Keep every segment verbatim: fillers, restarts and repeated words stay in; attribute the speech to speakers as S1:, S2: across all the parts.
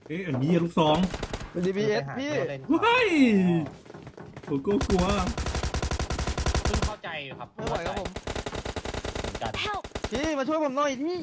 S1: เอ๊ะอันนี้ลูกสอง
S2: เป็น ดี บี เอส พี่
S1: ว้ายโกโก้กลัว
S3: เพิ่งเข้าใจครับ
S2: ไม่ไหวครับผม
S3: เหมือนกัน
S4: Help!
S2: พี่มาช่วยผมหน่อยพี่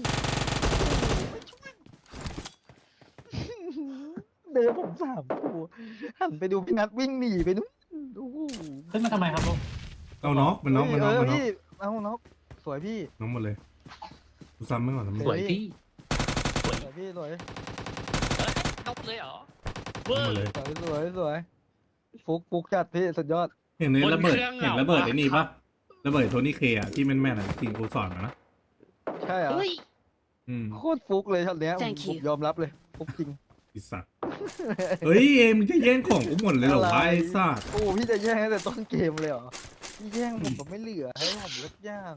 S2: เดินผมสามตัวหันไปดูพี่นัทวิ่งหนีไปนู้นโอ้โห
S3: ขึ้นมาทำไมครับลูก
S1: เอาน็อกมันน็อกมันน็อก
S2: เอ
S1: มัน
S2: อ
S1: น็อก
S2: พี่เอาน็อกสวยพี่
S1: น็อกหมดเลยกูซ้ำไม่ก่อนนะ
S3: สวยพี่สวย
S2: สวยพี่สวย
S3: เอ้ยนกเลยเหรอ
S1: น็อกหมดเลย
S2: สวยสวยสวยฟุกฟุกจัดพี่สุดยอด
S1: เห็นใน
S3: บน
S1: ระเบิด
S3: เครื่อง
S1: เห็น
S3: เหรอ
S1: ระเบิด
S3: วะ
S1: ไอ้นี่ปะระเบิดโทนี่เคอะที่แม่นๆอะที่กูสอนมานะ
S2: ใช่เหรอ
S3: เฮ้ย
S1: อืม
S2: โคตรฟุกเลยช็อตเนี้ยผม
S4: Thank
S2: ผม
S4: you
S2: ยอมรับเลยฟุกจริง
S1: ไอ้สัตว์เฮ้ยเอ็มงจะแย่งของกูหมดเลยเหรอวะไอ้สัตว์
S2: โอ้พี่จะแย่งตั้งแต่ต้นเกมเลยเหรอพี่แย่งผมแบบไม่เหลือให้ผมเลิกย่าง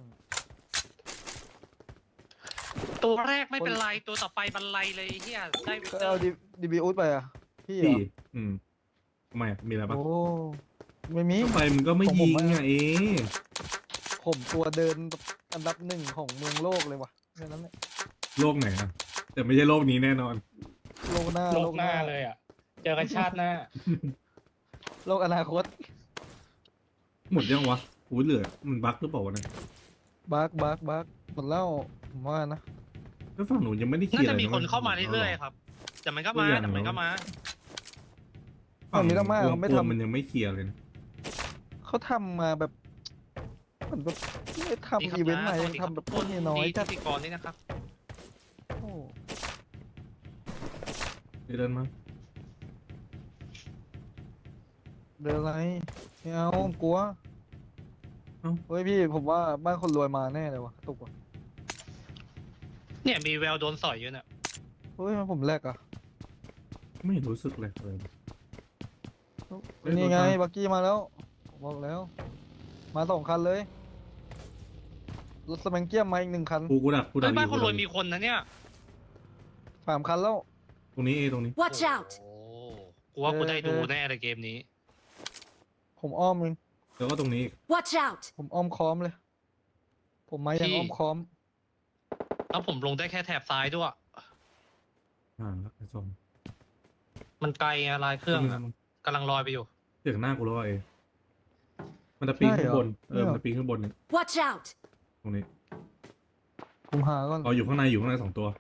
S3: ตัวแรกไม่เป็นไรตัวต่อไปบันไลเลยเฮียได้วิก
S2: ก็
S3: เตอ
S2: เอา
S3: ร์
S2: ดีดีบีอุดไปอ่ะพี่เหร
S1: พี่
S2: อ
S1: อืมทำไมอะมีอะไรปะ
S2: โอ้ไม่มี
S1: ก็ไปมึงก็ไม่
S2: ของผม
S1: ยิง
S2: อะ
S1: อะเอ๊ะ
S2: ผมตัวเดินอันดับหนึ่งของเมืองโลกเลยว่ะแค่นั้นแหละ
S1: โลกไหนอะแต่ไม่ใช่โลกนี้แน่นอน
S2: โลกหน้า
S3: โลกหน้าเลยอ่ะ เจอกันชาติหน้า
S2: โลกอนาคต
S1: หมดยังวะหูเหลือมันบั๊กหรือเปล่าวะเนี่ย
S2: บักบักบักหมดแล้วผมว่านะ
S1: แล้วฝั่งหนูยังไม่ได้เคลี
S3: น่าย
S1: ร์
S3: จะ
S1: อะไร
S3: มีคน
S1: นะ
S3: เข้ามาเรื่อยๆครับ แต่มันก็มาแต่มันก็มา
S1: ฝั่ง
S2: มีดราม่าเขาไม่
S1: วงกล
S2: ทำ
S1: มันยังไม่เคลียร์เลยนะ
S2: เขาทำมาแบบเหมือนแบบไม่ทำอีเวนต์มายังทำแบบพวกนี้น้อย
S3: ที่
S2: จัด
S3: พิธีกรนี่นะครับ
S2: โอ้
S1: เดินมา
S2: เดินอะไรไม่เอาผมกลัวเฮ้ยพี่ผมว่าบ้านคนรวยมาแน่เลยว่ะตุกว่ะ
S3: เนี่ยมีแววโดนสอยอยู่เนี่ย
S2: เฮ้ยมันผมแลกอ่ะ
S1: ไม่รู้สึกเลยเลย เฮ้ย
S2: นี่ไง
S1: รถมา
S2: บักกี้มาแล้วผมบอกแล้ว มาสองคันเลยรถสแมงเกียมมาอีกหนึ่งคัน
S1: กูกูดักกูดั
S3: เฮ้
S1: ก
S3: ยบ้าน
S1: อ
S3: คนรวย
S1: กูดัก
S3: มีคนนะเนี่ย
S2: สามคันแล้ว
S1: ตรงนี้เอตรงนี้
S4: Watch out!
S3: โอ้กูว่ากูได้ดูแน่เลยเกมนี้
S2: ผมอ้อมเอง
S1: แล้วก็ตรงนี้อีก
S4: Watch out!
S2: ผมอ้อมค้อมเลย ผมมายัง
S3: พี่
S2: อ้อมค้อม
S3: แล้วผมลงได้แค่แถบซ้ายด้วย
S1: อ่าแล้วไอ้ส้ม
S3: มันไกลอะลายเครื่องอะกำลังลอยไปอยู่
S1: เสียงหน้ากูแล้วอะเอมันจะปีนขึ้นบนเออมันจะปีนขึ้นบนเนี่ย
S4: Watch out!
S1: ตรงนี้
S2: ผมหาก่อน
S1: เราอยู่ข้างในอยู่ข้างในสองตัว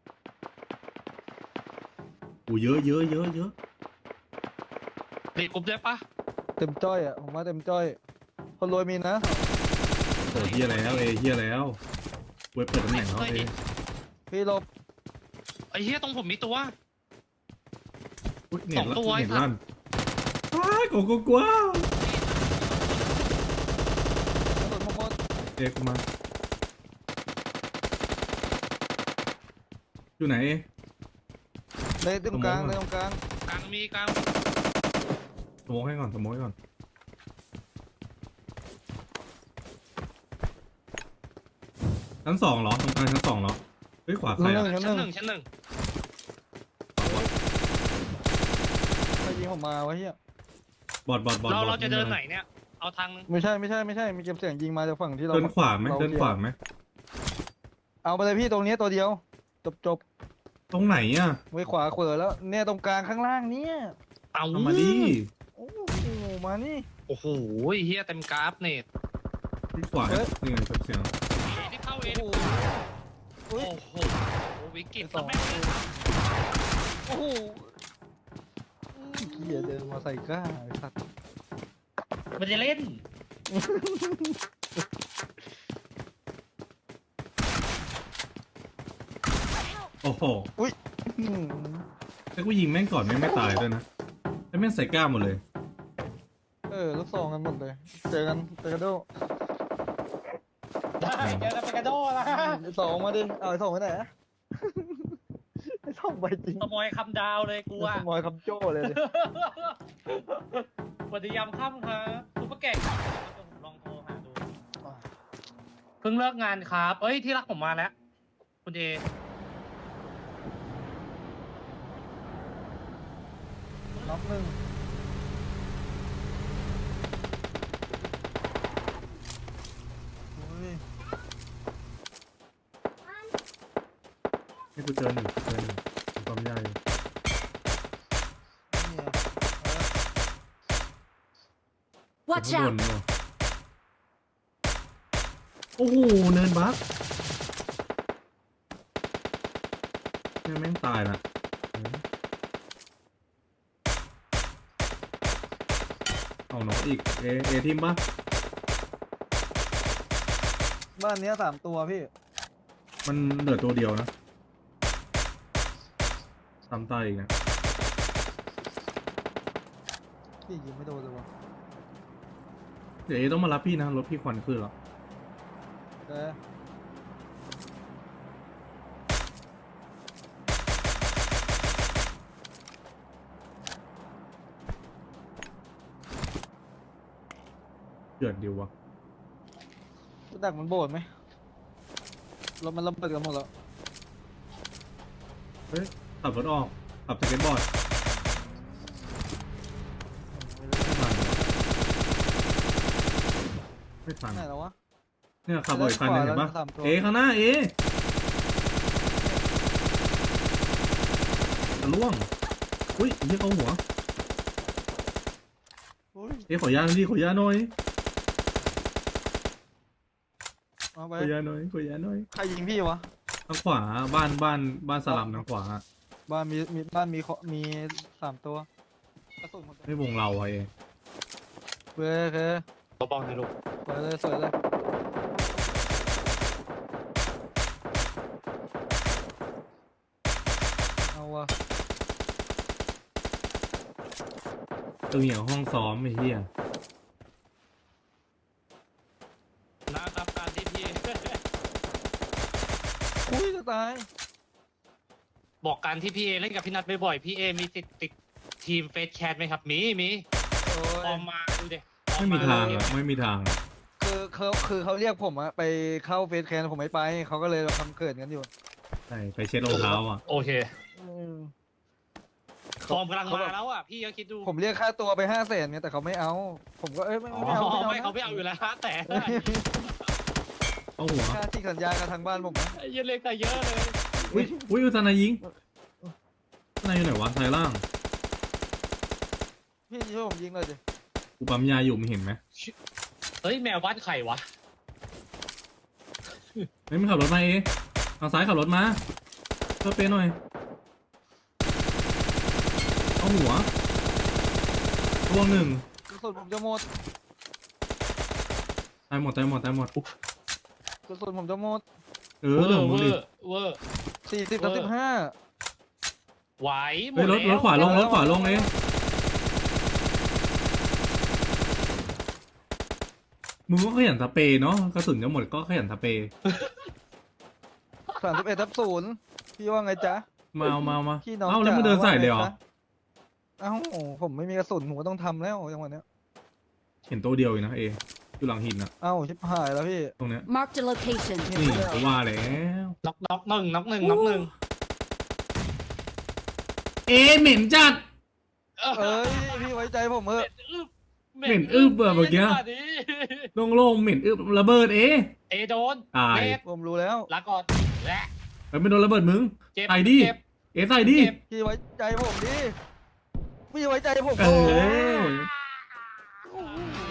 S1: อูเยอะเยอะเยอะเยอะ
S3: เด็กกรุ๊ปได้ปะ
S2: เต็มจ้อยอ่ะผมว่าเต็มจ้อย คนรวยมีนะ
S1: โอ้เฮียแล้วเอเฮียแล้วเว็บเปิดตำแหน่งแล้วเอ
S2: พี่หลบ
S3: ไอ้เหี้ยตรงผมมีตัว
S1: อุ๊ยเน็
S3: ส
S1: ต
S3: อง
S1: ลั่น
S3: ตัว
S1: เน็ต
S3: ไอ้สัตว์
S1: ลั่นอ้ายกูกูกลัว
S2: กระสุนผมหมด
S1: เอกูมาอยู่ไหนเอ
S2: เลยตรงกลาง
S1: ผมมอง
S2: เลยตรงกลาง
S3: กลางมีกลาง
S1: สโมกให้ก่อนสโมกให้ก่อนชั้นสองเหรอตรงกลางชั้นสองเหรอเฮ้ยขวาใคร
S2: ชั้
S1: อะ
S2: นหนึ่ง
S3: ชั้นหนึ่งชั้นหนึ่ง
S2: ใครยิงผมมาวะเฮีย
S1: บอดบอดบอด
S3: เรา
S1: บอ
S3: เราจะเดินไหนเนี่ย เอาทางนึง
S2: ไม่ใช่ไม่ใช่ไม่ใช่มีเก็บเสียงยิงมาจากฝั่งที่เรา
S1: เดินขวาไหม
S2: ร
S1: เดินขวาไหม
S2: เอาไปเลยพี่ตรงนี้ตัวเดียว จบจบ
S1: ตรงไหนอ่ะ
S2: ไว้ขวาเขวอแล้ว เนี่ยตรงกลางข้างล่างเนี่ย
S3: เอา
S1: เอามาดิ
S2: โอ้โหมานี่
S3: โอ้โหเฮียเต็มกราฟเนต
S1: ที่ขวานี่ไงเสียง
S3: ที่เข้าเอง
S2: โอ้โห
S3: โอ้
S2: อุ๊ย
S3: โหวิกฤต
S2: สอง
S3: แม่ง
S2: โอ้โหเกียเดินมาใส่กล้าไอ้สัตว์
S3: มันจะเล่น
S1: โอ้โห
S2: อืม
S1: แต่กูยิงแม่งก่อนแม่งไม่ตายด้วยนะแล้วแม่งใส่กล้ามหมดเลย
S2: เออลูกซองกันหมดเลย เจอกันเจอกันโด
S3: ได้เจอกันเป็นกระโดดละ
S2: ไอ้สองมาดิ เอาไอ้สองไปไหนอะ ไอ้สองไปจริง
S3: ขโมยคำดาวเลยกูอะ
S2: ขโมยคำโจ้เลยดิ
S3: สวัสดียามค่ำครับซุปเปอร์แก่งลองโทรหาดู เพิ่งเลิกงานครับ เอ้ยที่รักผมมาแล้ว คุณเอ
S2: น็อกหนึ่งโอ้ย
S1: ให้กูเจอหนึ่งเจอหนึ่งความยากอยู่
S4: Watch
S1: ข้างบ
S4: out!
S1: นเนอะโอ้โหเนินบักแม่งแม่งตายละเอาหนกอีกเอเอทีมปะ
S2: บ้านเนี้ยสามตัวพี่
S1: มันเหลือตัวเดียวนะตามตายอีกนะ
S2: พี่ยิงไม่โดนเลยวะ
S1: เดี๋ยวเอต้องมารับพี่นะรถพี่ควันขึ้นแล้ว
S2: แก
S1: เดือดดีวะ
S2: รู้จักมันโบดไหมรถมันระเบิดกันหมดแล้ว
S1: เฮ้ยขับรถออกขับสเก็ตบอร์ดไม่ทัน
S2: ไหนแล้ววะ
S1: เนี่ยขับบ่อยคันหนึงเห็นปะ
S2: สามตัว
S1: เอข้างหน้าเอจะล่วงอุ้ยไอ้เหี้ยเขาหัว
S2: อุ้ย
S1: เอขอยาหน่อยดิขอยาหน่อย
S2: เอาไป
S1: ขอยาหน่อยขอยาหน่อย
S2: ใครยิงพี่วะ
S1: ทางขวาบ้านบ้านบ้านสลัมทางขวา
S2: บ้านมีมีบ้านมีเคาะมีสามตัวกระสุนหมด
S1: ไม่วงเราอะเอ
S2: เว้ยโอเค
S3: ตัวบอลนะลูก
S2: สวยเลยสวยเลยเอาวะ
S1: ตึงอย่างห้องซ้อมไอ้เหี้ย
S3: นะครับการที่พี่
S2: คุยจะตาย
S3: บอกการที่พี่เอเล่นกับพี่นัทบ่อยๆพี่เอมีติดติดทีมเฟสแชทไหมครับมีมี
S2: โอ้
S3: ออย มมาดูดิ
S1: ไม่มีทางอะไม่มีทางอะ
S2: คือเขาคือเขาเรียกผมอะไปเข้าเฟสแคนผมไม่ไปเขาก็เลยทำเกิดกันอยู่
S1: ใช่ไปเช็ดรองเท้าอ่ะ
S3: โอเค
S2: อืม
S3: ฟอร์มกำลังมาแล้วอ่ะพี่ก็คิดดู
S2: ผมเรียกค่าตัวไปห้าแสนเนี่ยแต่เขาไม่เอา ผมก็เอ้ยไม่
S3: อ๋อ
S2: ไม่เอา
S3: ไม่
S2: ไม่
S3: เขา
S2: เอา
S3: ไม่เอาอยู่แล้วแต่
S1: เอาหัว
S2: ค่าที่สัญญากับทางบ้านผมนะ
S3: ไอ้เหี้ยเล็กแต่เยอะเลย
S1: อุ้ยอุ้ยอุตนายยิงอุตนายอยู่ไหนวะซ้ายล่าง
S2: พี่ช่วยผมยิงเลยดิ
S1: กูปั๊มยาอยู่มึงเห็นไหม
S3: เฮ้ยแมวบ้านไข่วะ
S1: เฮ้ยมึงขับรถมาเอทางซ้ายขับรถมาเพื่อเป๊ะหน่อยเอาหัวรวงหนึ่ง
S2: กระสุนผมจะหมด
S1: ตายหมดตายหมดตายหมด
S2: กระสุนผมจะหมด
S1: เออเรื่องของมึงดิ
S3: เวอร์
S2: สี่สิบกับสิบห้า
S3: ไหวหม
S1: เฮ้ย
S3: ด
S1: รถร
S3: แล้
S1: ถ
S3: ว
S1: ขวาลงรถขวาลงเองมึงก็ขยันสเปรย์เนาะกระสุนจะหมดก็ขยันสเปรย์
S2: สามสิบเอ็ดทับศูนย์พี่ว่าไงจ๊ะ
S1: มาเอามาเอามา
S2: พี่น้อง
S1: เอ้าแล้วมึง
S2: จ๋า
S1: เดินใส่เลยเหรอ
S2: ว่าไงจ๊ะ เอ้าผมไม่มีกระสุนผมก็ต้องทำแล้วจังหวะเนี้ย
S1: เห็นตัวเดียวเองนะเออยู่หลังหินนะ
S2: เอ้าชิบหายแล้วพี่
S1: ตรงเนี้ย
S4: Marked a location.
S1: นี่กูว่าแล้ว
S3: น็อกน็อกหนึ่งน็อกหนึ่งน็อกหนึ่ง
S1: เอเหม็นจัด
S2: เอ้ยพี่ไว้ใจผมเถอะ
S1: เหม็นอึบอะเมื่อกี้ โล่งๆเหม็นอึบระเบิดเอ
S3: เอโดน
S1: ตาย
S3: เจ็บ
S2: ผมรู้แล้ว
S3: ลาก่อนและ
S1: เฮ้ยไม่โดนระเบิดมึง
S3: เจ็บ
S1: ใส่ดิ
S3: เจ็บ
S1: เอใส่ดิ
S3: เจ็บ
S2: พี่ไว้ใจผมดิพี่ไว้ใจผม
S1: เอ
S2: โอ้
S1: อ
S2: โห